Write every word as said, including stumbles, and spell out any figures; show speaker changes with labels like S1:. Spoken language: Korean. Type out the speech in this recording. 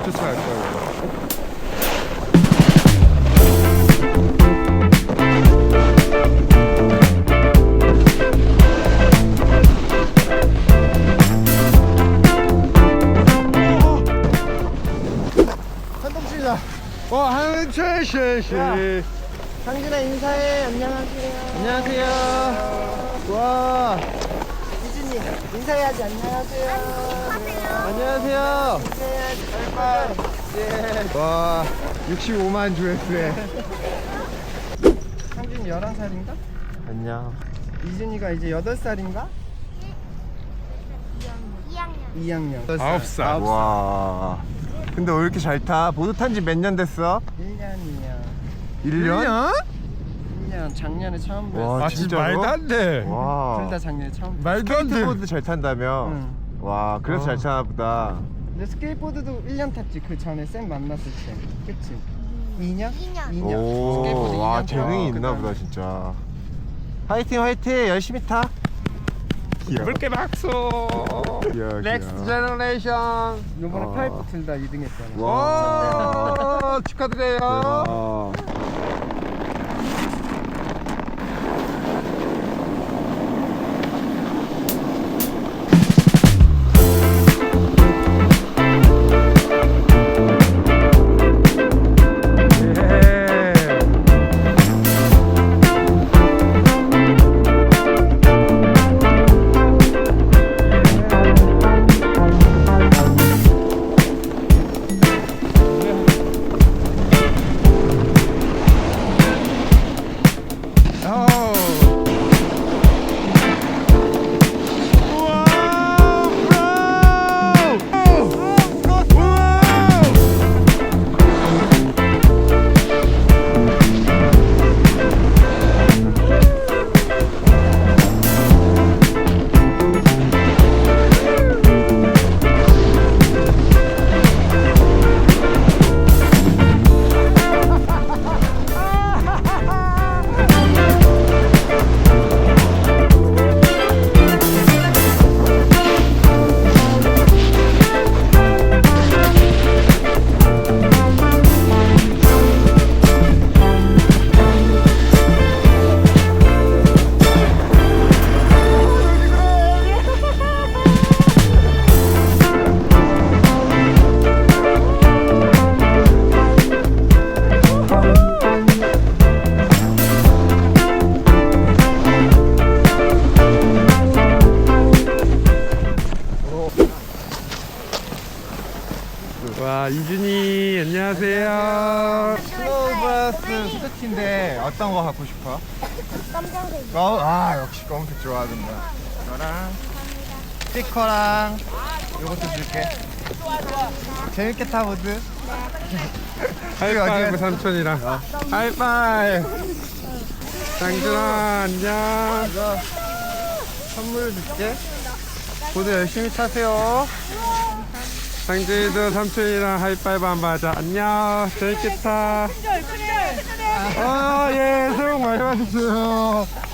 S1: 주차할 거예요.
S2: 한동씨다.
S1: 와, 한철 씨.
S2: 상진아 인사해. 안녕하세요.
S1: 안녕하세요. 와,
S2: 이준이 인사해야지. 안녕하세요.
S1: 안녕하세요.
S2: 인사해야지. 바이바이.
S1: 예. 와, 육십오만 조회수에.
S2: 상준이 열한 살인가?
S1: 안녕.
S2: 이준이가 이제 여덟 살인가? 이 학년.
S1: 아홉 살.
S3: 와. 근데 왜 이렇게 잘 타? 보드 탄 지 몇 년 됐어?
S2: 일 년이야.
S3: 일 년?
S2: 일 년. 작년에 처음
S3: 와,
S2: 배웠어.
S1: 아, 진짜
S3: 진짜로?
S1: 말도 안 돼.
S3: 와.
S2: 둘 다 작년에 처음 배웠어.
S1: 말도 안 돼.
S3: 스케이트보드 잘 탄다며?
S2: 응.
S3: 와, 그래서
S1: 어.
S3: 잘 타나 보다.
S2: 근데 스케이트보드도 일 년 탔지. 그 전에 쌤 만났을 때. 그치? 이 년? 이 년. 이 년. 스케이트보드
S3: 오, 와,
S2: 이 년
S3: 재능이
S2: 타고
S3: 있나
S2: 그다음에
S3: 보다, 진짜. 화이팅, 화이팅! 열심히 타! 귀여워.
S1: 물개 박수.
S3: 귀여워,
S1: 넥스트
S3: 귀여워.
S1: 제너레이션.
S2: 요번에
S3: 어.
S2: 파이프 둘 다 이 등 했잖아.
S1: 와, 축하드려요.
S3: 대박.
S1: 와, 이준이 안녕하세요.
S3: 스노우버스 스티인데 어떤 거 갖고 싶어?
S4: 깜짝이야.
S3: 어, 아, 역시 검은색 좋아하던데. 이거랑 스티커랑 이것도 줄게. 재밌게 타, 보드.
S1: 하이파이브 삼촌이랑. 하이파이브. 장준아 안녕.
S3: 이거 선물 줄게. 보드 열심히 타세요.
S1: 장준이도 삼촌이랑 하이파이브 한번 하자. 안녕. 재밌겠다.
S4: 큰절, 큰절, 큰절.
S1: 아, 예, 새해 복 많이 받으세요.